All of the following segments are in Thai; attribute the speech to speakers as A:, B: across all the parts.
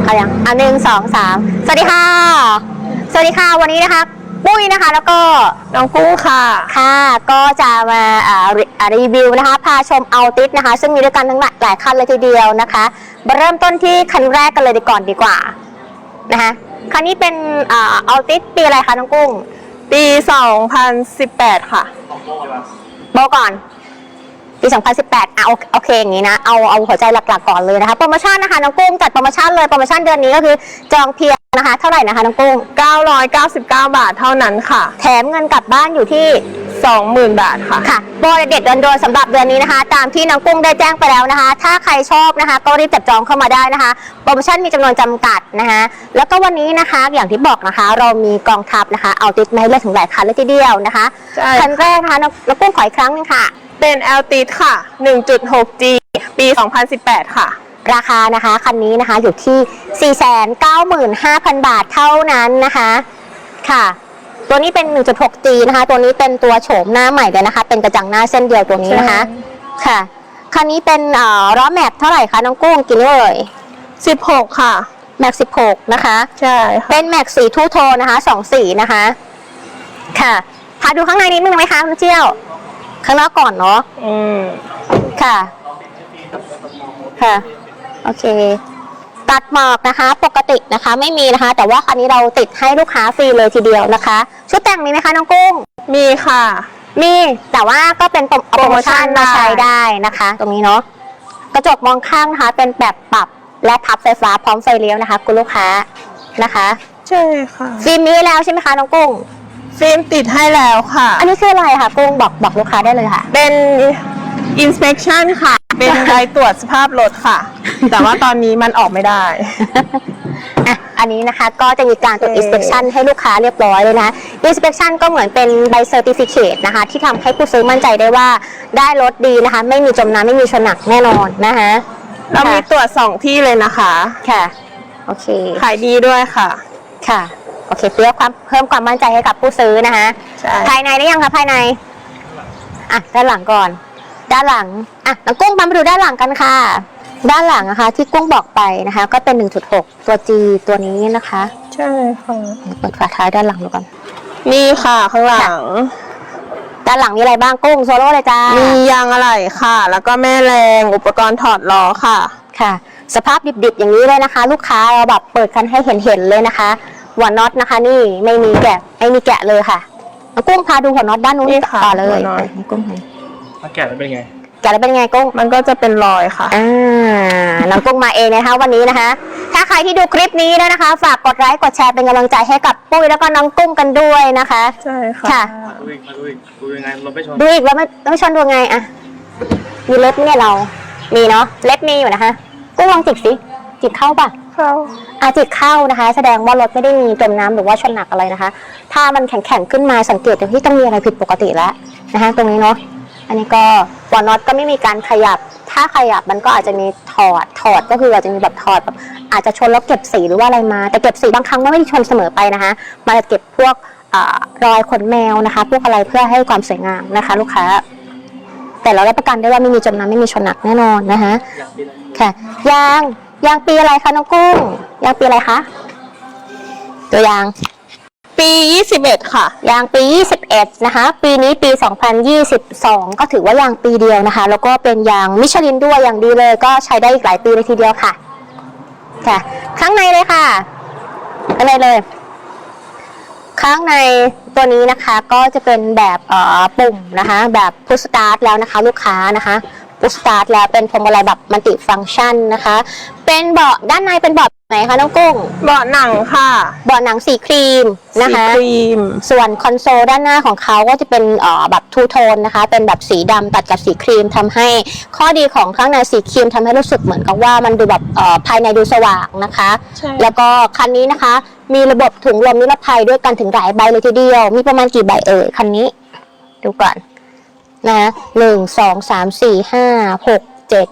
A: เอาอย่าง1 2 3สวัสดีค่ะสวัสดีค่ะวันนี้นะคะปุ้ยนะคะแล้วก็
B: น้องกุ้งค่ะ
A: ค่ะก็จะมารีวิวนะคะพาชมอัลติสนะคะซึ่งมีด้วยกันทั้งหลายคันเลยทีเดียวนะคะมาเริ่มต้นที่คันแรกกันเลยดีกว่านะคะคันนี้เป็นอัลติสปีอะไรคะน้องกุ้ง
B: ปี2018ค่ะ
A: โบก่อนปี2018โอเคอย่างนี้นะเอาหัวใจหลักๆก่อนเลยนะคะโปรโมชั่นนะคะน้องกุ้งจัดโปรโมชั่นเลยโปรโมชั่นเดือนนี้ก็คือจองเพียงนะคะเท่าไหร่นะคะน้องกุ้ง
B: 999 บาทเท่านั้นค่ะ
A: แถมเงินกลับบ้านอยู่ที่
B: 20,000 บาทค่ะ
A: ค่ะโปรเด็ดโดนสำหรับเดือนนี้นะคะตามที่น้องกุ้งได้แจ้งไปแล้วนะคะถ้าใครชอบนะคะก็รีบจับจองเข้ามาได้นะคะโปรโมชั่นมีจำนวนจำกัดนะคะแล้วก็วันนี้นะคะอย่างที่บอกนะคะเรามีกองทัพนะคะเอาติดมาให้เลือกถึงหลายคันเลยทีเดียวนะคะคันแรกนะคะน้องกุ้งขออีกครั้งนึงค่ะ
B: เป็น Altis ค่ะ 1.6G ปี2018ค่ะ
A: ราคานะคะคันนี้นะคะอยู่ที่ 495,000 บาทเท่านั้นนะคะค่ะตัวนี้เป็น 1.6G นะคะตัวนี้เป็นตัวโฉมหน้าใหม่เลยนะคะเป็นกระจังหน้าเส้นเดียวตัวนี้นะคะค่ะคันนี้เป็นล้อแม็กเท่าไหร่คะน้องกุ้งกี่เลย
B: 16ค่ะ
A: แม็ก16นะคะ
B: ใช่ค่ะ
A: เป็นแม็กสีทูโทนนะคะ2สีนะคะค่ะพาดูข้างในนิดนึงไหมคะคุณเจียวข้างนอกก่อนเนาะค่ะค่ะโอเคตัดหมอกนะคะปกตินะคะไม่มีนะคะแต่ว่าคันนี้เราติดให้ลูกค้าฟรีเลยทีเดียวนะคะชุดแต่งมีไหมคะน้องกุ้ง
B: มีค่ะ
A: มีแต่ว่าก็เป็นโปรโมชั่นมาใช้ได้นะคะตรงนี้เนาะกระจกมองข้างนะคะเป็นแบบปรับและพับไฟฟ้าพร้อมไฟเลี้ยวนะคะคุณลูกค้านะคะ
B: ใช่ค่ะ
A: ฟิล์มมีแล้วใช่ไหมคะน้องกุ้ง
B: ฟิล์มติดให้แล้วค่ะ
A: อันนี้คืออะไรคะกุ้งบอกลูกค้าได้เลยค่ะ
B: เป็น inspection ค่ะเป็นใบตรวจสภาพรถค่ะแต่ว่าตอนนี้มันออกไม่ได้
A: อันนี้นะคะก็จะมีการตรวจ inspection ให้ลูกค้าเรียบร้อยเลยนะ inspection ก็เหมือนเป็นใบ certificate นะคะที่ทำให้ผู้ซื้อมั่นใจได้ว่าได้รถดีนะคะไม่มีจมน้ำไม่มีชนหนักแน่นอนนะคะ
B: เรามีตรวจ2ที่เลยนะคะ
A: ค่ะโอเค
B: ขายดีด้วยค่ะ
A: ค่ะโอเคเพิ่มความมั่นใจให้กับผู้ซื้อนะคะภายในได้ยังคะภายในด้านหลังก่อนด้านหลังน้องกุ้งมาดูด้านหลังกันค่ะด้านหลังนะคะที่กุ้งบอกไปนะคะก็เป็น 1.6 ตัว G ตัวนี้นะคะ
B: ใช่ค่ะ
A: เปิดฝาท้ายด้านหลังดูกัน
B: นี่ค่ะข้างหลัง
A: ด้านหลังมีอะไรบ้างกุ้งโซโล่เลยจ้า
B: มียางอะไหล่ค่ะแล้วก็แม่แรงอุปกรณ์ถอดล้อค่ะ
A: ค่ะสภาพดิบๆอย่างนี้เลยนะคะลูกค้าเราแบบเปิดกันให้เห็นเลยนะคะหัวน็อตนะคะนี่ไม่มีแกะเลยค่ะกุ้งพาดูหัวน็อตด้านนู้นต่อเลยกุ้ง
C: แกะแล้วเป็นไง
A: กุ้ง
B: มันก็จะเป็นรอยค่ะ
A: น้องกุ้งมาเองนะคะวันนี้นะคะถ้าใครที่ดูคลิปนี้แล้วนะคะฝากกดไลค์กดแชร์เป็นกำลังใจให้กับปุ้ยแล้วก็น้องกุ้งกันด้วยนะคะ
B: ใช่ค่ะ
C: ดูยังไงเราไม่ชน
A: ดูอีกแล้วไม่ชนดูไงมีเล็บเนี่ยเรามีเนาะเล็บมีอยู่นะคะกุ้งลองจิกสิจิกเข้าป่ะจิกเข้านะคะแสดงว่ารถไม่ได้มีจมน้ำหรือว่าชนหนักอะไรนะคะถ้ามันแข็งขึ้นมาสังเกตที่ต้องมีอะไรผิดปกติแล้วนะคะตรงนี้เนาะอันนี้ก็หัวน็อตก็ไม่มีการขยับถ้าขยับมันก็อาจจะมีถอดก็คืออาจจะมีแบบถอดแบบอาจจะชนแล้วเก็บสีหรือว่าอะไรมาแต่เก็บสีบางครั้งไม่ได้ชนเสมอไปนะคะมาจะเก็บพวกรอยขนแมวนะคะพวกอะไรเพื่อให้ความสวยงามนะคะลูกค้าแต่เรารับประกันได้ว่าไม่มีจมน้ำไม่มีชนหนักแน่นอนนะคะค่ะยางปีอะไรคะน้องกุ้งยางปีอะไรคะตัวยาง
B: ปี21ค่ะ
A: ยางปี21นะคะปีนี้ปี2022ก็ถือว่ายางปีเดียวนะคะแล้วก็เป็นยางมิชลินด้วยอย่างดีเลยก็ใช้ได้อีกหลายปีเลยทีเดียวค่ะข้างในเลยค่ะข้างในเลยข้างในตัวนี้นะคะก็จะเป็นแบบปุ่มนะคะแบบพุชสตาร์ทแล้วนะคะลูกค้านะคะพุชสตาร์ทแล้วเป็นพวงมาลัยแบบมัลติฟังก์ชันนะคะเป็นเบาะด้านในเป็นเบาะไหนคะน้องกุ้ง
B: เบาะหนังค่ะ
A: เบาะหนังสีครีมนะคะ
B: สีครีม
A: ส่วนคอนโซลด้านหน้าของเขาก็จะเป็นแบบทูโทนนะคะเป็นแบบสีดำตัดกับสีครีมทำให้ข้อดีของข้างในสีครีมทำให้รู้สึกเหมือนกับว่ามันดูแบบภายในดูสว่างนะคะแล้วก็คันนี้นะคะมีระบบถุงลมนิรภัยด้วยกันถึงหลายใบเลยทีเดียวมีประมาณกี่ใบคันนี้ดูก่อนนะ1 2 3 4 5 6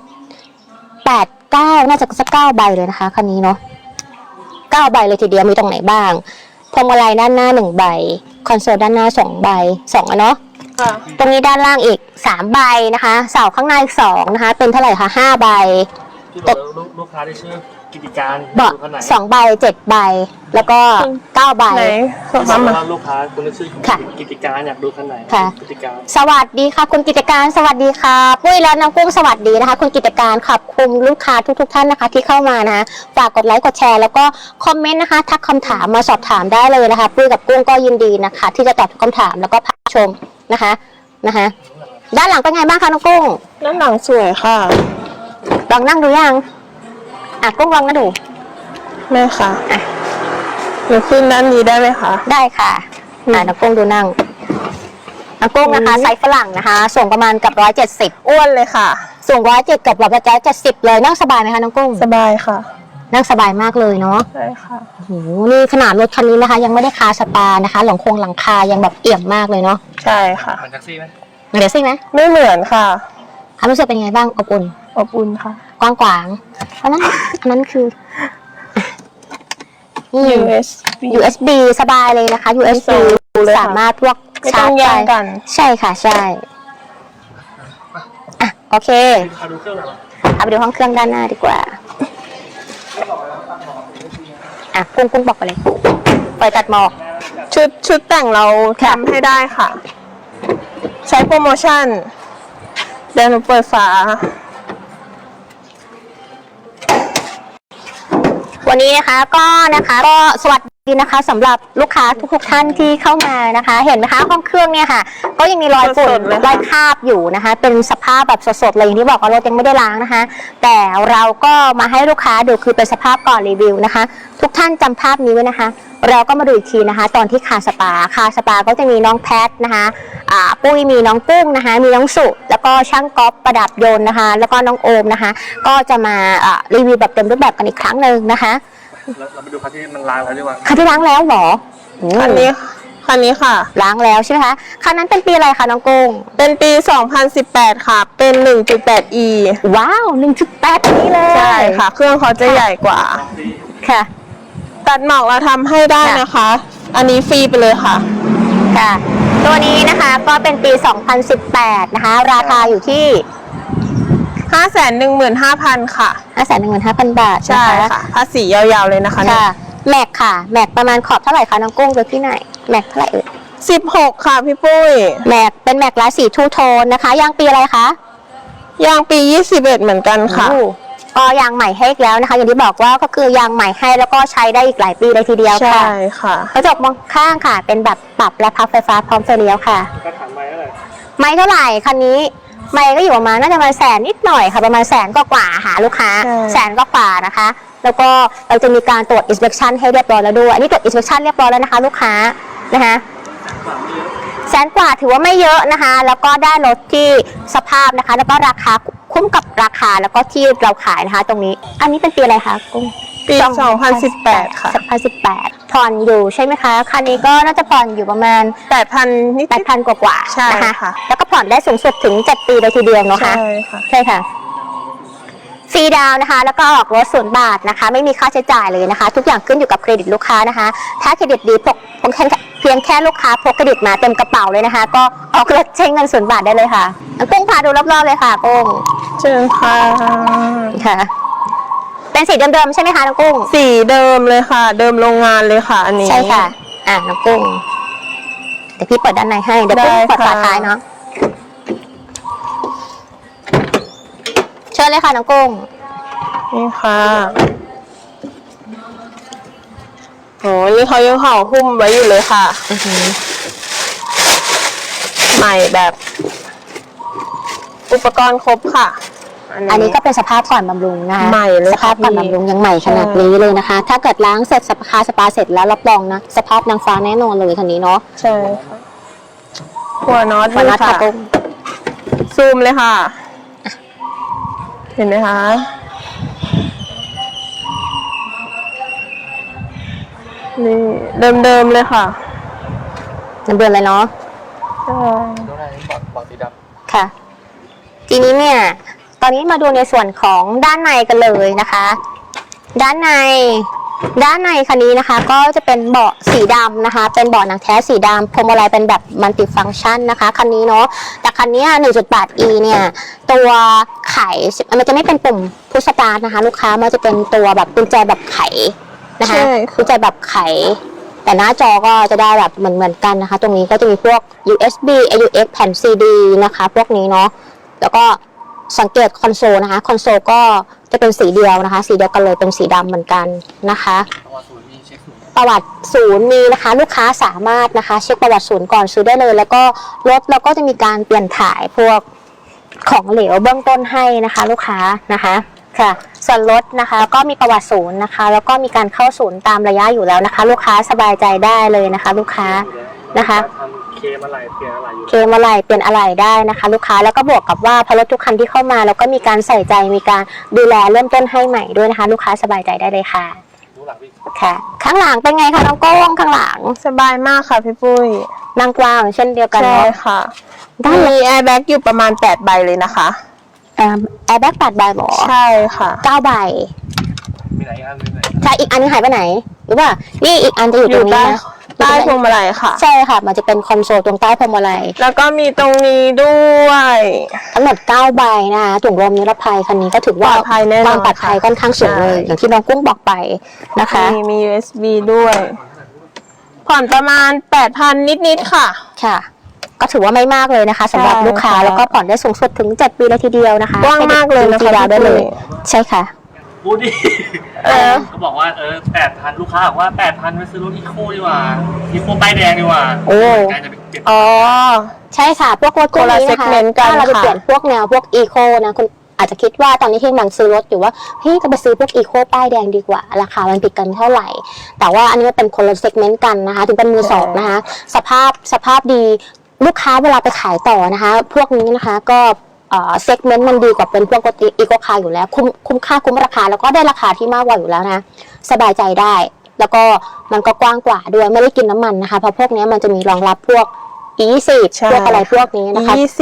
A: 7 8 9น่าจะสัก9ใบเลยนะคะคันนี้เนาะ9ใบเลยทีเดียวมีตรงไหนบ้างพวงมาลัยด้านหน้า1ใบคอนโซลด้านหน้า2ใบ2เนาะตรงนี้ด้านล่างอีก3ใบนะคะเสาข้างในอีก2นะคะเป็นเท่าไหร่คะ5ใบ
C: ที่บอกลูกค้าที่ชื่อกิติการ
A: เบาะ
C: ดูคันไหน
A: 2 ใบ 7 ใบ แล้วก็ 9 ใบ
B: ไหนส่ง
C: ถ้า
B: มา
C: ลูกค้าคุณที่ชื่อ
A: ค่ะ
C: กิติการอยากดูคันไหน
A: ค่ะ
C: กิติการ
A: สวัสดีค่ะคุณกิจการสวัสดีค่ะปุ้ยและน้องกุ้งสวัสดีนะคะ คุณกิจการขอบคุณลูกค้าทุกท่านนะคะ ที่เข้ามานะคะฝากกดไลค์กดแชร์แล้วก็คอมเมนต์นะคะทักคำถามมาสอบถามได้เลยนะคะปุ้ยกับกุ้งก็ยินดีนะคะ ที่จะตอบทุกคำถามแล้วก็พาชมนะคะด้านหลังเป็นไงบ้างคะน้องกุ้ง
B: ด้านหลังสวยค่ะ
A: ลองนั่งดูยังกุ้งลองนั่งดู
B: แม่ค่ะหนูขึ้นด้านนี้ได้ไหมคะ
A: ได้ค่ะน้องกุ้งดูนั่งน้องกุ้งนะคะไซส์ฝรั่งนะคะส่งประมาณกับ170
B: อ้วนเลยค่ะ
A: สูง107กับ170เลยนั่งสบายไหมคะน้องกุ้ง
B: สบายค่ะ
A: นั่งสบายมากเลยเนาะ
B: ใช่ค่ะ
A: โอ้โหนี่ขนาดรถคันนี้นะคะ ยังไม่ได้คาสปานะคะหลังคายังแบบเอี่ยมมากเลยเนาะ
B: ใช่ค่ะ
C: เหมือนแท็กซี่ไหม
A: เดี๋ยวซิไหม
B: ไม่เหมือนค่ะ
A: ความรู้สึกเป็นไงบ้างอบอุ่น
B: อบอุ่นค่ะ
A: กว้างขวางอันนั้นคือUSB สบายเลยนะคะ USB
B: เลยค่ะ
A: สามารถพวก
B: ไม่ต้องแย่งกัน
A: ใช่ค่ะใช่โอเค
C: ลูกค้าดูเครื่องหน่อยเหรอ
A: เอาไปดูห้องเครื่องด้านหน้าดีกว่ากุ้งบอกไปเลยปล่อยตัดหมอก
B: ชุดแต่งเราทำให้ได้ค่ะ ใช้โปรโมชั่นเดี๋ยวหนูเปิดฝา
A: วันนี้นะคะก็สวัสดีนะคะสำหรับลูกค้าทุกท่านที่เข้ามานะคะ เห็นไหมคะห้องเครื่องเนี่ยค่ะ ก็ยังมีรอยฝุ่นรอยคราบอยู่นะคะ เป็นสภาพแบบสดๆเลยอย่างที่บอกว่ารถยังไม่ได้ล้างนะคะ แต่เราก็มาให้ลูกค้าดูคือเป็นสภาพก่อนรีวิวนะคะ ทุกท่านจำภาพนี้ไว้นะคะ เราก็มาดูอีกทีนะคะ ตอนที่คาสปาก็จะมีน้องแพทนะคะปุ้ยมีน้องกุ้งนะคะ มีน้องสุแล้วก็ช่างก๊อฟประดับยนต์นะคะ แล้วก็น้องโอมนะคะ ก็จะมารีวิวแบบเต็มรูปแบบกันอีกครั้งหนึ่งนะคะ
C: เราไปดูคันที่มันล้างแล้วดีกว่า
A: คันที่ล้างแล้วเหรอ
B: คันนี้ค่ะ
A: ล้างแล้วใช่ไหมคะคันนั้นเป็นปีอะไรคะน้องกุ้ง
B: เป็นปี 2018 ค่ะ เป็น 1.8e
A: ว้าว 1.8 นี้เลย
B: ใช่ค่ะ เครื่องเขาจะใหญ่กว่า
A: ค่ะ
B: ตัดหมอกเราทำให้ได้นะคะ อันนี้ฟรีไปเลยค่ะ
A: ค่ะ ตัวนี้นะคะก็เป็นปี 2018 นะคะ ราคาอยู่ที่
B: 515,000 ค่ะ
A: 515,000 บาท
B: ใช่
A: นะคะ
B: ค่ะ ภาษียาวๆเลยนะคะเนี่ย
A: ค่ะแม็กค่ะแม็กประมาณขอบเท่าไหร่คะน้องกุ้งดูที่ไหนแม็กเท่าไหร่เอ่ย
B: 16 ค่ะพี่ปุ้ย
A: แม็กเป็นแม็กลายสีทูโทนนะคะยางปีอะไรคะ
B: ยางปี 21 เหมือนกันค่ะ
A: ก็ยางใหม่ให้อีกแล้วนะคะ อย่างที่บอกว่าก็คือยางใหม่ให้แล้วก็ใช้ได้อีกหลายปีเลยทีเดียวค่ะ
B: ใช่ค่ะ
A: กระจกมองข้างค่ะ เป็นแบบปรับและพับไฟฟ้าพร้อมไฟเลี้ยวค่ะ
C: ก็ถามไปแล้วแหละ
A: ไม่เท่าไหร่คันนี้ไม่ก็อยู่ประมาณน่าจะมา100,000นิดหน่อยค่ะประมาณ100,000กว่าหาลูกค้า
B: ใช่
A: 100,000กว่านะคะ แล้วก็เราจะมีการตรวจ inspection ให้เรียบร้อยแล้วด้วยอันนี้ตรวจ inspection เรียบร้อยแล้วนะคะ ลูกค้านะคะ100,000กว่าถือว่าไม่เยอะนะคะ แล้วก็ได้รถที่สภาพนะคะ แล้วก็ราคาคุ้มกับราคาแล้วก็ที่เราขายนะคะ ตรงนี้ อันนี้เป็นปีอะไรคะกุ้ง
B: ปี 2018 ค่ะ
A: 2018ผ่อนอยู่ใช่ไหมคะคันนี้ก็น่าจะผ่อนอยู่ประมาณ
B: 8,000 นิด
A: 8,000 กว่าๆ
B: ใช่
A: นะคะ
B: ค่ะ
A: แล้วก็ผ่อนได้สูงสุดถึง7 ปีเลยทีเดียวเนาะ
B: ใช่
A: คะ
B: ค่ะ
A: ใช่ค่ะฟรีดาวน์นะคะ แล้วก็ออกรถ0 บาทนะคะ ไม่มีค่าใช้จ่ายเลยนะคะ ทุกอย่างขึ้นอยู่กับเครดิตลูกค้านะคะ ถ้าเครดิตดีเพียงแค่ลูกค้าพกเครดิตมาเต็มกระเป๋าเลยนะคะ ก็ออกรถใช้เงิน0 บาทได้เลยค่ะกุ้งพาดูรอบๆเลยค่ะกุ้ง
B: เชิญค่ะ
A: ค่ะ เป็นสีเดิมๆใช่ไหมคะน้องกุ้ง
B: สีเดิมเลยค่ะ เดิมโรงงานเลยค่ะ อันนี้
A: ใช่ค่ะน้องกุ้งเดี๋ยวพี่เปิดด้านในให้เดี๋ยวกุ้ง
B: ได้
A: เปิดฝา
B: ค่ะ
A: ท้ายเนาะเชิญเลยค่ะน้องกุ้ง
B: นี่ค่ะโอ้นี่เขายังห่อหุ้มไว้อยู่เลยค่ะ ใหม่แบบ อุปกรณ์ครบค่ะ
A: อันนี้ก็เป็นสภาพก่อนบำรุงนะคะ
B: ใหม่เลย
A: สภาพก่อน
B: ค่ะ
A: บำรุงยังใหม่ขนาดนี้เลยนะคะ ถ้าเกิดล้างเสร็จสปาเสร็จแล้วรับรองนะสภาพนางฟ้าแน่นอนเลยคันนี้เนาะ
B: ใช่ค่ะหัวน็อต
A: วันนัด
B: ค่ะ
A: ค่ะกุ้ง
B: ซูมเลยค่ะ เห็นไหมคะ นี่เดิมๆเลยค่ะ
A: น้ำเบือนเลยเนาะ
B: ใช่
C: ดูหน้านี้บอดสีด
A: ค่ะ ทีนี้เนี่ยตอนนี้มาดูในส่วนของด้านในกันเลยนะคะ ด้านในด้านในคันนี้นะคะก็จะเป็นเบาะสีดำนะคะเป็นเบาะหนังแท้สีดำพวงมาลัยเป็นแบบมัลติฟังก์ชันนะคะคันนี้เนาะแต่คันนี้ 1.8e เนี่ยตัวไขมันจะไม่เป็นปุ่มพุชสตาร์ทนะคะลูกค้ามันจะเป็นตัวแบบกุญแจแบบไขนะคะกุญแจแบบไขแต่หน้าจอก็จะได้แบบเหมือนกันนะคะตรงนี้ก็จะมีพวก USB AUX แผ่น CD นะคะพวกนี้เนาะแล้วก็สังเกตคอนโซลนะคะคอนโซลก็จะเป็นสีเดียวนะคะสีเดียวกันเลยเป็นสีดำเหมือนกันนะคะประวัติศูนย์มีนะคะลูกค้าสามารถนะคะเช็คประวัติศูนย์ก่อนซื้อได้เลยแล้วก็รถเราก็จะมีการเปลี่ยนถ่ายพวกของเหลวเบื้องต้นให้นะคะลูกค้านะคะค่ะส่วนรถนะคะก็มีประวัติศูนย์นะคะแล้วก็มีการเข้าศูนย์ตามระยะอยู่แล้วนะคะลูกค้าสบายใจได้เลยนะคะลูกค้านะคะ
C: เคมอะไรเปลี่ยนอะไรอยู่
A: เคมอะไรเปลี่ยนอะไรได้นะคะลูกค้าแล้วก็บวกกับว่าพอรถทุกคันที่เข้ามาแล้วก็มีการใส่ใจมีการดูแลเริ่มต้นให้ใหม่ด้วยนะคะลูกค้าสบายใจได้เลยค่ะค่ะข้างหลังเป็นไงคะน้องโก้งข้างหลัง
B: สบายมากค่ะพี่ปุ้ย
A: นั่งกว้างเช่นเดียวกัน
B: ใช่ค่ะมีแอร์แบ็กอยู่ประมาณ8ใบเลยนะคะ
A: แอร์แบ็ก8ใบหรอ
B: ใช่ค่ะ
A: 9ใบ
C: มีไหนอันนึง
A: ใช่อีกอันนึงหายไปไหนหรือว่านี่อีกอันจะอยู่ตรงนี้นะ
B: ใต้พวงมาลัยค่ะ
A: ใช่ค่ะมันจะเป็นคอนโซลตรงใต้พวงมาลัย
B: แล้วก็มีตรงนี้ด้วย
A: ทั้งหมด9ใบนะคะถุงลมนิรภัยคันนี้ก็ถือว่าความปลอดภัยค่อนข้างสูงเลยอย่างที่น้องกุ้งบอกไปนะคะ
B: มี USB ด้วยผ่อนประมาณ 8,000 นิดๆค่ะ
A: ค่ะก็ถือว่าไม่มากเลยนะคะสำหรับลูกค้าแล้วก็ผ่อนได้สูงสุดถึง7 ปีเลยทีเดียวนะคะ
B: กว้างมากเลยนะคะ
A: ได้เลยใช่ค่ะ
C: พูดดิเขาบอกว่า8,000ลูกค้าบอกว่า8,000ไปซื้อรถอีโคดีกว่าอีโคป้ายแดงดีกว่า
A: โอ้อ๋อใช่ค่ะพวกรถพวกนี้นะคะถ้าเราไปเปลี่ยนพวกแนวพวกอีโคนะคุณอาจจะคิดว่าตอนนี้ที่กำลังซื้อรถอยู่ว่าเฮ้ยจะไปซื้อพวกอีโคป้ายแดงดีกว่าราคามันติดกันเท่าไหร่แต่ว่าอันนี้เป็นคนละเซกเมนต์กันนะคะถึงเป็นมือสองนะคะสภาพดีลูกค้าเวลาไปขายต่อนะคะพวกนี้นะคะก็เซกเมนต์มันดีกว่าเป็นพวกรถอีโคคาร์อยู่แล้วคุ้มค่าคุ้มราคาแล้วก็ได้ราคาที่มากกว่าอยู่แล้วนะสบายใจได้แล้วก็มันก็กว้างกว่าด้วยไม่ได้กินน้ำมันนะคะเพราะพวกนี้มันจะมีรองรับพวก E20 พวกอะไรพวกนี้นะคะ
B: E20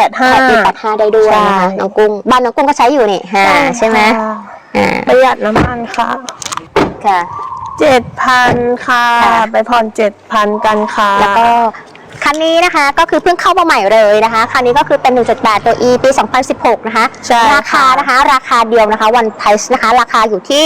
B: E85
A: ได้ด้วยนะคะน้องกุ้งบ้านน้องกุ้งก็ใช้อยู่นี่ใช่ไหม
B: ประหยัดน้ำมันค่ะ
A: ค่ะ
B: 7,000 ค่ะไปผ่อน 7,000 กันค่ะ
A: แล้วก็คันนี้นะคะก็คือเพิ่งเข้ามาใหม่เลยนะคะคันนี้ก็คือเป็น 1.8 ตัว E ปี 2016 นะคะราคานะคะราคาเดียวนะคะวันไพรซ์นะคะราคาอยู่ที่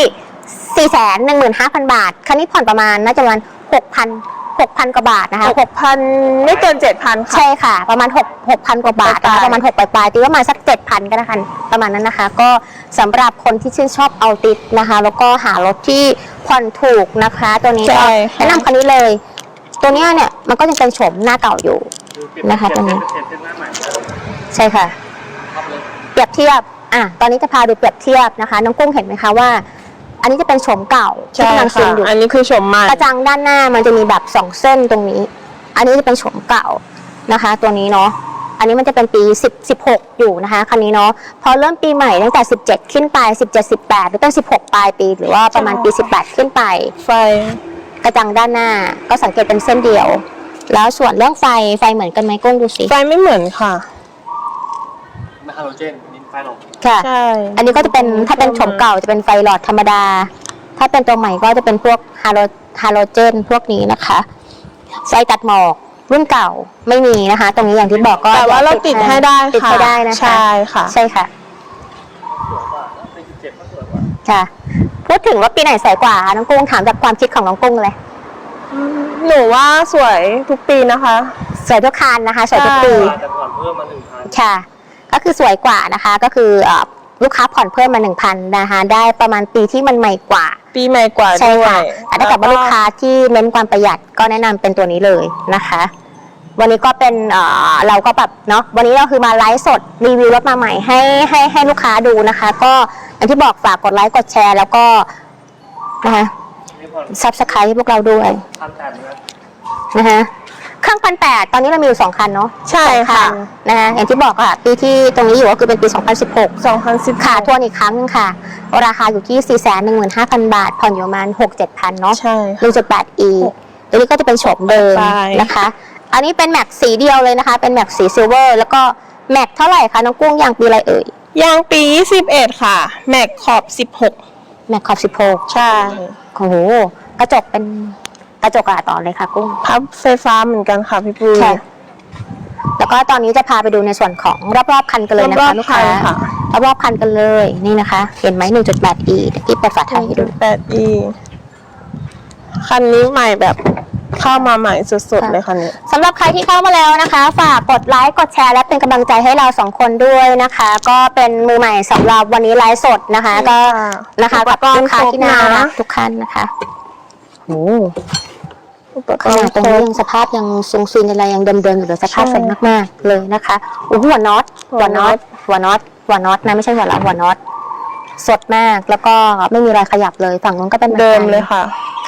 A: 415,000 บาทคันนี้ผ่อนประมาณน่าจะประมาณ 6,000 กว่าบาทนะคะ
B: 6,000 ไม่เกิน 7,000 ค่ะ
A: ใช่ค่ะประมาณ 6,000 กว่าบาทนะคะประมาณ6ปลายๆตีว่าประมาณสัก 7,000 ก็นะคะประมาณนั้นนะคะก็สำหรับคนที่ชื่นชอบเอาติดนะคะแล้วก็หารถที่ผ่อนถูกนะคะตัวนี้ก็แนะนำคันนี้เลยตัวนี้เนี่ยมันก็ยังเป็นโฉมหน้าเก่าอยู่นะคะตัวนี้ใช่ค่ะเปรียบเทียบตอนนี้จะพาดูเปรียบเทียบนะคะน้องกุ้งเห็นไหมคะว่าอันนี้จะเป็นโฉมเก่าที่กำลังซึมอยู่
B: อันนี้คือโฉมใหม่
A: กระจังด้านหน้ามันจะมีแบบ2เส้นตรงนี้อันนี้จะเป็นโฉมเก่านะคะตัวนี้เนาะอันนี้มันจะเป็นปี16อยู่นะคะคันนี้เนาะพอเริ่มปีใหม่ตั้งแต่17ขึ้นไป17 18หรือตั้ง16ปลายปีหรือว่าประมาณปี18ขึ้นไป
B: ไฟ
A: กระจังด้านหน้าก็สังเกตเป็นเส้นเดียวแล้วส่วนเรื่องไฟเหมือนกันไหมกุ้งดูสิ
B: ไฟไม่เหมือนค่ะ
C: ไม่ฮาโลเจนนี่ไฟหลอด
A: ค่ะใช่อันนี้ก็จะเป็นถ้าเป็นโฉมเก่าจะเป็นไฟหลอดธรรมดาถ้าเป็นตัวใหม่ก็จะเป็นพวกฮาโลเจนพวกนี้นะคะไฟตัดหมอกรุ่นเก่าไม่มีนะคะตรงนี้อย่างที่บอกก็
B: แต่ว่าเราติดให้ได้
A: ติดให้ได้นะคะ
B: ใช่ค่ะ
A: ใช่ค่ะค่ะพูดถึงรถปีไหนสวยกว่าน้องกุ้งถามจากความคิดของน้องกุ้งเลย
B: หนูว่าสวยทุกปีนะคะ
A: สวยทุกคันนะคะสวยทุกปี
C: แต่ผ่อนเพิ่มมา 1,000
A: ค่ะก็คือสวยกว่านะคะก็คือลูกค้าผ่อนเพิ่มมา 1,000 นะคะได้ประมาณปีที่มันใหม่กว่า
B: ปีใหม่กว่า
A: ใช่ค่ะแต่ถ้าเกิดว่าลูกค้าที่เน้นความประหยัดก็แนะนำเป็นตัวนี้เลยนะคะวันนี้ก็เป็นเราก็แบบเนาะวันนี้เราคือมาไลฟ์สดรีวิวรถมาใหม่ให้ลูกค้าดูนะคะก็อย่างที่บอกฝากกดไลค์กดแชร์แล้วก็นะคะซับสไครต์ให้พวกเราด้วยนะคะเครื่อง1,800ตอนนี้เรามีอยู่2 คันเนาะ
B: ใช่ค่ะ
A: นะคะอย่างที่บอกค่ะปีที่ตรงนี้อยู่ก็คือเป็นปี2016ค่ะทวนอีกครั้งนึงค่ะราคาอยู่ที่ 415,000 บาทผ่อนอยู่ประมาณ 6-7,000 เนาะ 1.8e ตัวนี้ก็จะเป็นโฉมเดิมนะคะอันนี้เป็นแม็กสีเดียวเลยนะคะเป็นแม็กสีซิลเวอร์แล้วก็แม็กเท่าไหร่คะน้องกุ้งยางปีอะไรเอ่ย
B: ยางปี21ค่ะแม็กขอบ16
A: แม็กขอบ16
B: ใช่
A: โอ้โหกระจกเป็นกระจกต่อเลยค่ะกุ้ง
B: พับไฟฟ้าเหมือนกันค่ะพี่ปุ้ย
A: แล้วก็ตอนนี้จะพาไปดูในส่วนของรอบๆคันกันเลยนะคะลูกค้ารอบๆคันกันเลยนี่นะคะ เห็นไหม 1.8e ที่เปิดฝาท้ายให้ดู
B: 1.8e คันนี้ใหม่แบบเข้ามาใหม่สุดๆเลยคันนี้
A: สำหรับใครที่เข้ามาแล้วนะคะฝากกดไลค์กดแชร์และเป็นกำลังใจให้เรา2คนด้วยนะคะ ก็เป็นมือใหม่สำหรับวันนี้ไลฟ์สดนะคะก็นะคะกับลูกค้าที่น่ารักทุกท่านนะคะโอ้ขนาดตรงนี้ยังสภาพยังทรงซีนอะไรยังเดิมๆอยู่เลยสภาพสวยมากๆเลยนะคะหัวน็อตนะไม่ใช่หัวล้อหัวน็อตสดมากแล้วก็ไม่มีรอยขยับเลยฝั่งนู้นก็เป็น
B: เดิมเลยค่ะ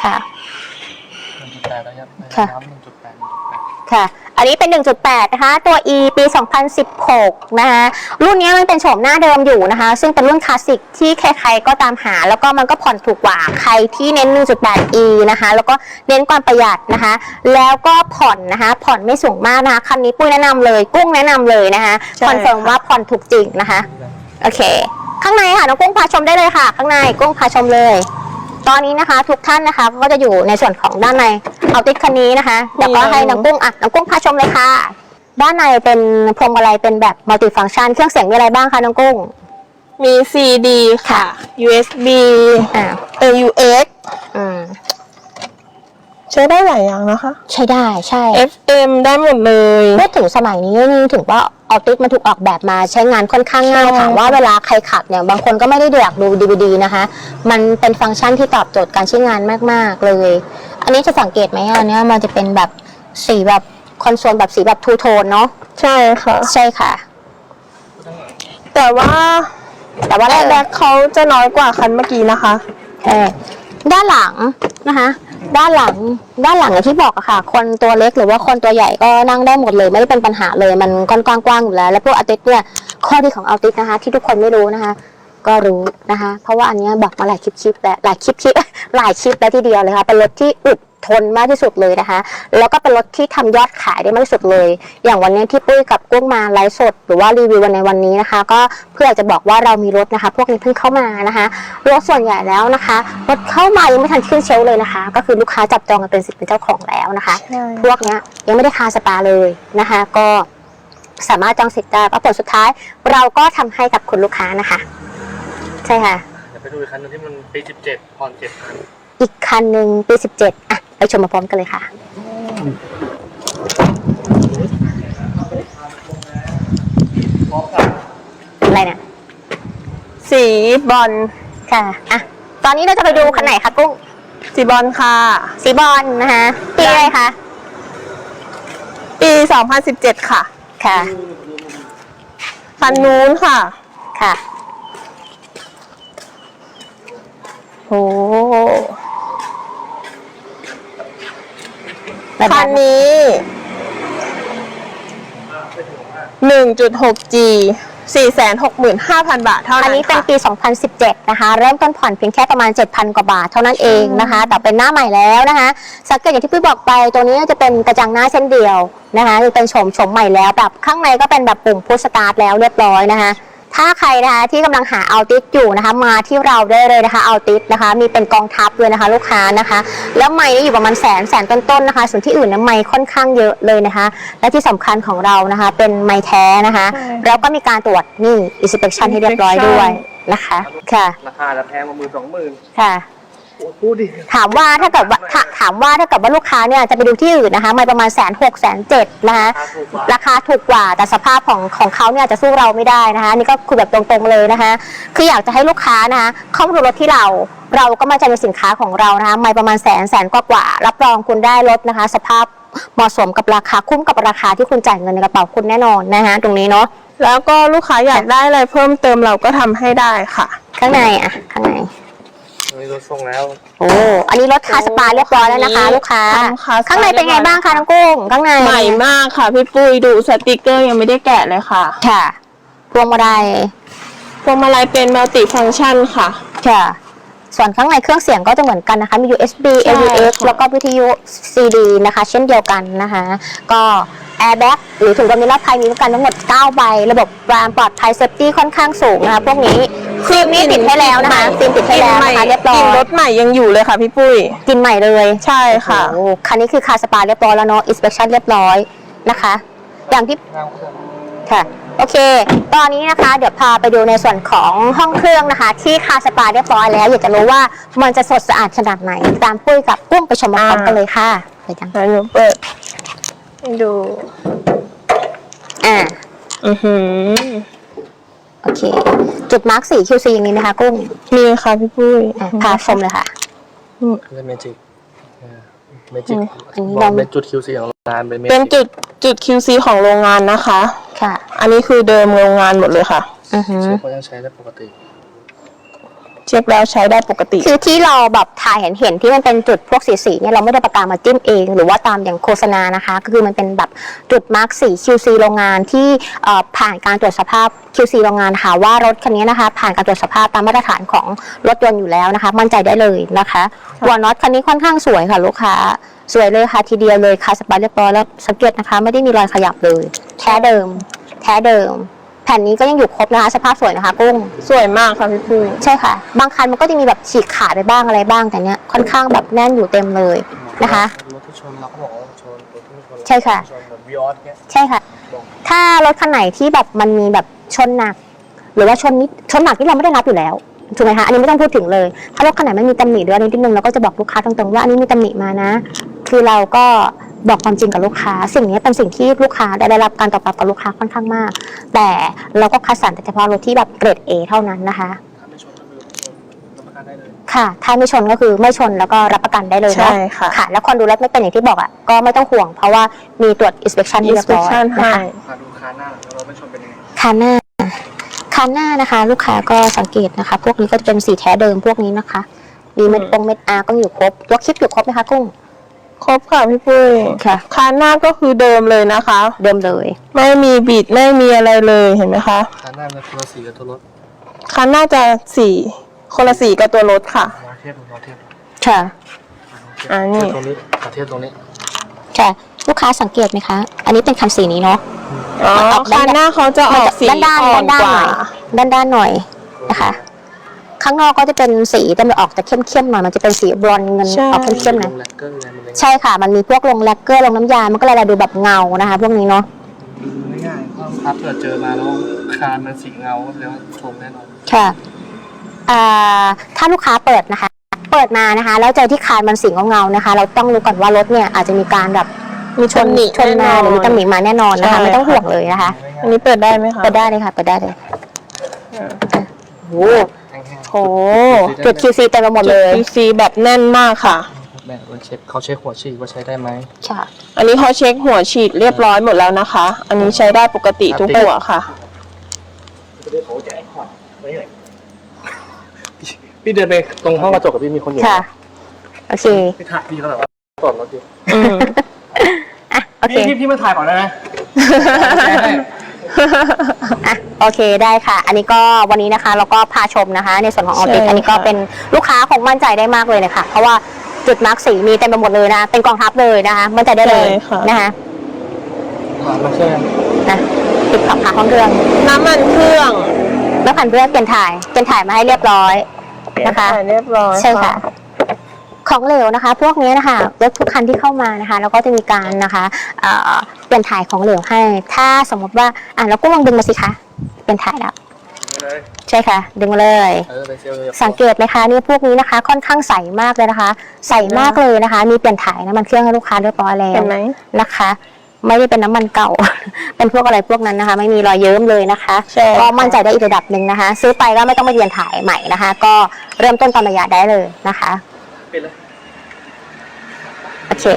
A: ค่ะอันนี้เป็น 1.8 นะคะตัว E ปี 2016 นะคะรุ่นนี้มันเป็นโฉมหน้าเดิมอยู่นะคะซึ่งเป็นรุ่นคลาสสิกที่ใครๆก็ตามหาแล้วก็มันก็ผ่อนถูกกว่าใครที่เน้น 1.8e นะคะแล้วก็เน้นความประหยัดนะคะแล้วก็ผ่อนนะคะผ่อนไม่สูงมากนะคะคันนี้ปุ้ยแนะนำเลยกุ้งแนะนำเลยนะคะคอนเฟิร์มว่าผ่อนถูกจริงนะคะโอเคข้างในค่ะน้องกุ้งพาชมได้เลยค่ะข้างในกุ้งพาชมเลยตอนนี้นะคะทุกท่านนะคะก็จะอยู่ในส่วนของด้านในเอาติดคันนี้นะคะเดี๋ยวก็ให้น้องกุ้งพาชมเลยค่ะด้านในเป็นพวงมาลัยเป็นแบบมัลติฟังก์ชันเครื่องเสียงมีอะไรบ้างคะน้องกุ้ง
B: มี CD ค่ะ USB AUX ใช้ได้หลายอย่างนะคะ
A: ใช้ได้ใช่
B: FM ได้หมดเลย
A: พูดถึงสมัยนี้นี่ถึงว่าออติสมันถูกออกแบบมาใช้งานค่อนข้างง่ายถามว่าเวลาใครขับเนี่ยบางคนก็ไม่ได้อยากดู DVD นะคะมันเป็นฟังก์ชันที่ตอบโจทย์การใช้งานมากๆเลยอันนี้จะสังเกตไหมอันนี้มันจะเป็นแบบสีแบบคอนโซลแบบสีแบบทูโทนเนาะ
B: ใช่ค่ะแต่ว่าแรกเขาจะน้อยกว่าคันเมื่อกี้นะคะ
A: ด้านหลังนะคะด้านหลังอย่างที่บอกอะค่ะคนตัวเล็กหรือว่าคนตัวใหญ่ก็นั่งได้หมดเลยไม่ได้เป็นปัญหาเลยมันกว้างๆอยู่แล้วแล้วพวกอัลติสเนี่ยข้อดีของอัลติสนะคะที่ทุกคนไม่รู้นะคะก็รู้นะคะเพราะว่าอันนี้บอกมาหลายคลิปแล้วหลายคลิปแล้วทีเดียวเลยค่ะเป็นรถที่อึดทนมากที่สุดเลยนะคะแล้วก็เป็นรถที่ทำยอดขายได้มากที่สุดเลยอย่างวันนี้ที่ปุ้ยกับกุ้งมาไลฟ์สดหรือว่ารีวิวในวันนี้นะคะก็เพื่อจะบอกว่าเรามีรถนะคะพวกนี้เพิ่งเข้ามานะคะรถส่วนใหญ่แล้วนะคะรถเข้ามายังไม่ทันขึ้นเชลฟ์เลยนะคะก็คือลูกค้าจับจองกันเป็นสิทธิ์เป็นเจ้าของแล้วนะคะพวกนี้ยังไม่ได้คาสปาเลยนะคะก็สามารถจองสิทธิ์ได้ผลสุดท้ายเราก็ทำให้กับคุณลูกค้านะคะใช่ค่ะ
C: เดี๋ยวไปดูอีกคันนึงที่มันปี17ผ่อน7,000
A: อีกคันหนึ่งปี17อ่ะไปชมมาพร้อมกันเลยค่ะอะไรเนี่ย
B: สีบอล
A: ค่ะอ่ะตอนนี้เราจะไปดูคันไหนคะกุ้ง
B: สีบอลค่ะ
A: สีบอลนะคะปีอะไรคะ
B: ปี2017ค่ะ
A: ค่ะ
B: คันนู้นค่ะ
A: โอ้
B: คันนี้ 1.6G 465,000 บาทเท่านั้น
A: อันนี้เป็นปี2017นะคะเริ่มต้นผ่อนเพียงแค่ประมาณ 7,000 กว่าบาทเท่านั้นเองนะคะแต่เป็นหน้าใหม่แล้วนะคะสังเกตอย่างที่พี่บอกไปตัวนี้จะเป็นกระจังหน้าเช่นเดียวนะคะเป็นโฉมใหม่แล้วแบบข้างในก็เป็นแบบปุ่มพุชสตาร์ทแล้วเรียบร้อยนะคะถ้าใครนะคะที่กำลังหาอัลติสอยู่นะคะมาที่เราได้เลยนะคะอัลติสนะคะมีเป็นกองทัพเลยนะคะลูกค้านะคะแล้วไมค์อยู่ประมาณแสนต้นๆนะคะส่วนที่อื่นนะไมค์ค่อนข้างเยอะเลยนะคะและที่สำคัญของเรานะคะเป็นไมค์แท้นะคะแล้วก็มีการตรวจนี่ inspection ให้เรียบร้อยด้วยนะคะค่ะ
C: ราคาจะแพงกว่า20,000
A: ค่ะถามว่าถ้าเกิดว่าลูกค้าเนี่ยจะไปดูที่อื่นนะคะมาประมาณ160,000 170,000นะคะราคาถูกกว่าแต่สภาพของเขาเนี่ยจะสู้เราไม่ได้นะคะนี่ก็คือแบบตรงๆเลยนะคะคืออยากจะให้ลูกค้านะคะเข้ามาดูรถที่เราก็มาใจในสินค้าของเรานะคะมาประมาณแสนกว่ารับรองคุณได้รถนะคะสภาพเหมาะสมกับราคาคุ้มกับราคาที่คุณจ่ายเงินในกระเป๋าคุณแน่นอนนะคะตรงนี้เนาะ
B: แล้วก็ลูกค้าอยากได้อะไรเพิ่มเติมเราก็ทำให้ได้ค่ะ
A: ข้างในข้างใน
C: รถส่งแล้ว
A: โอ้อันนี้รถคาสปาเรียบร้อยแล้วนะคะลูกค้าข้างในเป็นไงบ้างคะน้องกุ้งข้างใน
B: ใหม่มากค่ะพี่ปุ้ยดูสติกเกอร์ยังไม่ได้แกะเลยค่ะ
A: ค่ะพวงมาลัย
B: เป็นมัลติฟังก์ชันค่ะ
A: ส่วนข้างในเครื่องเสียงก็จะเหมือนกันนะคะมี USB AUX แล้วก็วิทยุ CD นะคะเช่นเดียวกันนะคะก็แอร์แบ็กหรือถุงลมนิรภัยมีกันทั้งหมด9ใบระบบความปลอดภัยเซฟตี้ค่อนข้างสูงนะคะพวกนี้ฟิล์มนี่ติดให้แล้วนะคะฟิล์มติดให้แล้วนะคะเรียบร้อย
B: กลิ่นรถใหม่ยังอยู่เลยค่ะพี่ปุ้ย
A: กินใหม่เลย
B: ใช่ค่ะ
A: โอ้คันนี้คือคาสปาเรียบร้อยแล้วเนาะอินสเปคชั่นเรียบร้อยนะคะ อย่างที่ค่ะโอเค ตอนนี้นะคะเดี๋ยวพาไปดูในส่วนของห้องเครื่องนะคะ ที่คาสปาเรียบร้อยแล้วอยากจะรู้ว่ามันจะสดสะอาดขนาดไหนตามปุ้ยกับกุ้งไปชมพร้อมกันเลยค่ะไปจัง
B: แล้วหนูเปิดให้ดู
A: โอเค จุดมาร์กสี QC อย่างนี้ไหมคะกุ้ง
B: มีค่ะพี่ปุ้ย
A: พาชมเลยค่ะ
C: เป็นเมจิกเมจิก
A: อันนี้
C: บอกเป็นจุด QC ของโรงงานเป็นเมจิก
B: เป็นจุด QC ของโรงงานนะคะ
A: ค่ะ
B: อันนี้คือเดิมโรงงานหมดเลยค่ะ
C: เช็คว่ายังใช้ได้ปกติ
B: เช็คแล้วใช้ได้ปกติ
A: คือที่เราแบบถ่ายเห็นที่มันเป็นจุดพวกสีเนี่ยเราไม่ได้ประกามาจิ้มเองหรือว่าตามอย่างโฆษณานะคะก็คือมันเป็นแบบจุดมาร์กสี QC โรงงานที่ผ่านการตรวจสภาพ QC โรงงานค่ะว่ารถคันนี้นะคะผ่านการตรวจสภาพตามมาตรฐานของรถยนต์อยู่แล้วนะคะมั่นใจได้เลยนะคะหัวน็อตคันนี้ค่อนข้างสวยค่ะลูกค้าสวยเลยค่ะทีเดียวเลยค่ะสปาเรียบร้อยแล้วสังเกตนะคะไม่ได้มีรอยขยับเลยแท้เดิมแผ่นนี้ก็ยังอยู่ครบนะคะสภาพสวยนะคะกุ้ง
B: สวยมากค่ะพี่ปุ้ย
A: ใช่ค่ะบางคันมันก็จะมีแบบฉีกขาดไปบ้างอะไรบ้างแต่เนี้ยค่อนข้างแบบแน่นอยู่เต็มเลยนะคะ
C: รถที่ชนเราก็บอกว่าชนรถที่ไม่ชน
A: ใช่ค่ะ
C: ชนแบบวิออสเงี้ย
A: ใช่ค่ะ ถ้ารถคันไหนที่แบบมันมีแบบชนหนัก หรือว่าชนหนักที่เราไม่ได้รับอยู่แล้วถูกไหมคะอันนี้ไม่ต้องพูดถึงเลยถ้ารถคันไหนไม่มีตำหนิหรืออะไรนิดนึงเราก็จะบอกลูกค้าตรงๆว่าอันนี้มีตำหนิมานะ คือเราก็บอกความจริงกับลูกค้าสิ่งนี้เป็นสิ่งที่ลูกค้าได้รับการตอบรับกับลูกค้าค่อนข้างมาก แต่เราก็คัดสรรแต่เฉพาะรถที่แบบเกรด A เท่านั้นนะคะ
C: ถ้าไม่ชนก็คือรับประกันได้เลย
A: ค่ะถ้าไม่ชนก็คือไม่ชนแล้วก็รับประกันได้เลย
B: ใช่
A: เนาะ
B: ค่ะ
A: ค่ะ แล้วคนดูรถไม่เป็นอย่างที่บอกอ่ะก็ไม่ต้องห่วง เพราะว่ามีตรวจ inspection ที่เรียบร้อย
B: inspection
A: นะคะ
B: ให้
C: พาดูคาหน้าแล้วรถไม่ชนเป็นยังไง
A: คันหน้านะคะ ลูกค้าก็สังเกตนะคะ พวกนี้ก็จะเป็นสีแท้เดิมพวกนี้นะคะมีเม็ดอาร์ก็อยู่ครบยกคลิปอยู่ครบไหมคะกุ้ง
B: ครบค่ะพี่ปุ้ย
A: ค่ะ
B: คานหน้าก็คือเดิมเลยนะคะ
A: เดิมเลย
B: ไม่มีบิดไม่มีอะไรเลยเห็นไหมคะ
C: คาหน้ามันคนละสีกับตัวรถ
B: คานหน้าจะสีคนละสีกับตัวรถค่ะ
C: ลองเทียบดูลองเทียบดู
A: ค่ะ
B: นี่
C: เทียบตรงนี้เทียบตรงนี้
A: ค่ะลูกค้าสังเกตไหมคะอันนี้เป็นคันสีนี้เนาะ
B: อ๋อคานหน้าเขาจะออกสี
A: ด้าน
B: อ่อน
A: ๆ
B: กว่า
A: ด้านหน่อยนะคะ ข้างนอกก็จะเป็นสีแต่มันออกแต่เข้มๆหน่อยมันจะเป็นสีบรอนซ์เงินออกเข้มๆหน่อย
C: ลงแลกเกอร์อะไรมันเลย
A: ใช่ค่ะมันมีพวกลงแลกเกอร์ลงน้ำยามันก็เลยดูแบบเงานะคะ พวกนี้เนาะ
C: ง่ายๆเพราะครับเกิดเจอมาแล้วคานมันสีเงาแล้วชมแน่นอน
A: ค่ะถ้าลูกค้าเปิดนะคะ เปิดมานะคะแล้วเจอที่คานมันสีเงาๆนะคะ เราต้องรู้ก่อนว่ารถเนี่ยอาจจะมีการแบบ
B: มีชนหนี
A: ชนมาหรือมีตำหนิมาแน่นอนนะคะ
B: ใช่
A: ไม่ต้องห่วงเลยนะคะ
B: อันนี้เปิดได้ไหมคะ
A: เปิดได้เลยค่ะเปิดได้เลยโอ้
C: แห้ง
B: โอ้
A: จุด QC เต็มไปหมด
B: จุ
A: เล
B: ด
A: ย
B: QC แบบแน่นมากค่ะ
C: ๆแบบมันเช็คเขาเช็คหัวฉีดว่าใช้ได้ไหม
A: ค่ะ
B: อันนี้เขาเช็คหัวฉีดเรียบร้อยหมดแล้วนะคะ อันนี้ใช้ได้ปกติทุกหัวค่ะ
C: พี่เดินไปตรงห้องกระจกกับพี่มีคนอยู่
A: ค่ะโอเค
C: พี่ถ่ายพี่เขาแบบว่าตรวจรถดิ
A: อ่ะโอเค
C: พี่มาถ่ายก่อนได้ไหม
A: อ่ะโอเคได้ค่ะ อันนี้ก็วันนี้นะคะเราก็พาชมนะคะ ในส่วนของออติ
B: ใช่
A: อันนี้ก็
B: ค่ะ
A: เป็นลูกค้าคงมั่นใจได้มากเลยนะคะเพราะว่าจุดมาร์กสีมีเต็มไปหมดเลยนะเป็นกองทัพเลยนะคะมั่นใจได้เลยนะคะ
C: มาเชื่อ
A: นะติดขับขาห้องเครื่อง
B: น้ำมันเครื่อง
A: แล้วผ่านเพื่อเปลี่ยนถ่ายมาให้เรียบร้อยนะคะ
B: เรียบร้อย
A: ใช่ค่ะ ของเหลวนะคะ พวกนี้นะคะรถทุกคันที่เข้ามานะคะแล้วก็จะมีการนะคะเปลี่ยนถ่ายของเหลวให้ ถ้าสมมติว่าเราก็ลองดึงมาสิคะเปลี่ยนถ่ายแล้วใช่ค่ะดึงมาเลย
C: ไปเซลล์
A: สังเกตไหมคะนี่พวกนี้นะคะ ค่อนข้างใสมากเลยนะคะ ใสมากเลยนะคะ มีเปลี่ยนถ่ายน้ำมันเครื่องให้ลูกค้าเรียบร้อยแล้ว
B: เห็นไหม
A: นะคะ ไม่ได้เป็นน้ำมันเก่า เป็นพวกอะไรพวกนั้นนะคะ ไม่มีรอยเยิ้มเลยนะคะ
B: ใช่
A: ก็มั่นใจได้อีกระดับหนึ่งนะคะ ซื้อไปก็ไม่ต้องมาเปลี่ยนถ่ายใหม่นะคะ ก็เริ่มต้นตามระยะได้เลยนะคะ
C: ปิดเลย
A: โอเค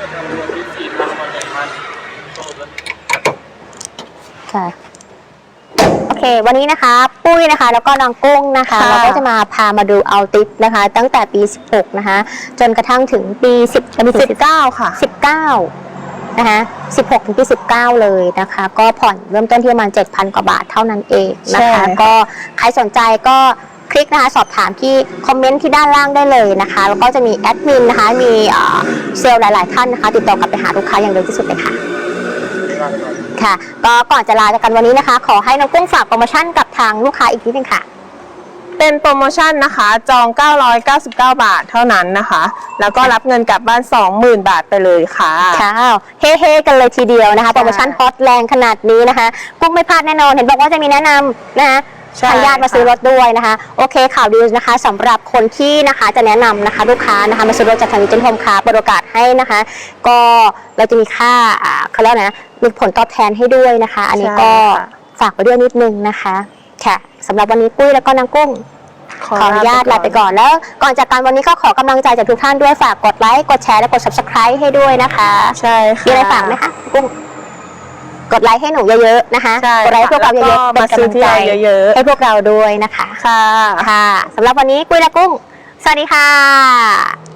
A: ค่ะโอเค วันนี้นะคะ ปุ้ยนะคะ แล้วก็น้องกุ้งนะคะ
B: ค่ะ
A: เราก็จะมาพามาดูเอาติปนะคะ ตั้งแต่ปี 16 นะคะ จนกระทั่งถึงปี
B: 19ค่ะ
A: 19 นะคะ 16 ถึงปี 19 เลยนะคะ ก็ผ่อนเริ่มต้นที่ประมาณ 7,000 กว่าบาทเท่านั้นเองนะคะ
B: ใช่
A: ก็ใครสนใจก็คลิกนะคะ สอบถามที่คอมเมนต์ที่ด้านล่างได้เลยนะคะ แล้วก็จะมีแอดมินนะคะ มีเซลล์หลาย ๆ ท่านนะคะ ติดต่อกลับไปหาลูกค้าอย่างเร็วที่สุดเลยค่ะ ค่ะ ก็ก่อนจะลาจากกันวันนี้นะคะ ขอให้น้องกุ้งฝากโปรโมชั่นกับทางลูกค้าอีกนิดนึงค่ะ
B: เป็นโปรโมชั่นนะคะ จอง 999 บาทเท่านั้นนะคะ แล้วก็รับเงินกลับบ้าน 20,000 บาทไปเลยค่ะ
A: ค่ะเฮ้ๆกันเลยทีเดียวนะคะโปรโมชั่นฮอตแรงขนาดนี้นะคะกุ้งไม่พลาดแน่นอนเห็นบอกว่าจะมีแนะนำนะคะทางญาติมาซื้อรถด้วยนะคะโอเคข่าวดีนะคะสำหรับคนที่นะคะจะแนะนำนะคะลูกค้านะคะมาซื้อรถจากทางวิจิตรโฮมคาร์เปิดโอกาสให้นะคะ ก็เราจะมีค่าเขาเรียกนะมีผลตอบแทนให้ด้วยนะคะ อันนี้ก็ฝากไว้ด้วยนิดนึงนะคะค่ะสำหรับวันนี้ปุ้ยแล้วก็นางกุ้งขออนุญาตลาไปก่อนแล้วก่อนจากกันวันนี้ก็ขอกำลังใจจากทุกท่านด้วยฝากกดไลค์กดแชร์และกด subscribe ให้ด้วยนะคะ
B: ใช่ค่ะ
A: มีอะไรฝากไหมคะกุ้งกดไลค์ให้หนูเยอะๆนะคะกดไลค์ให้พวกเราเยอะๆเป็นกำลังใจให้พวกเราด้วยนะคะค่ะสำหรับวันนี้กุ้ยและกุ้งสวัสดีค่ะ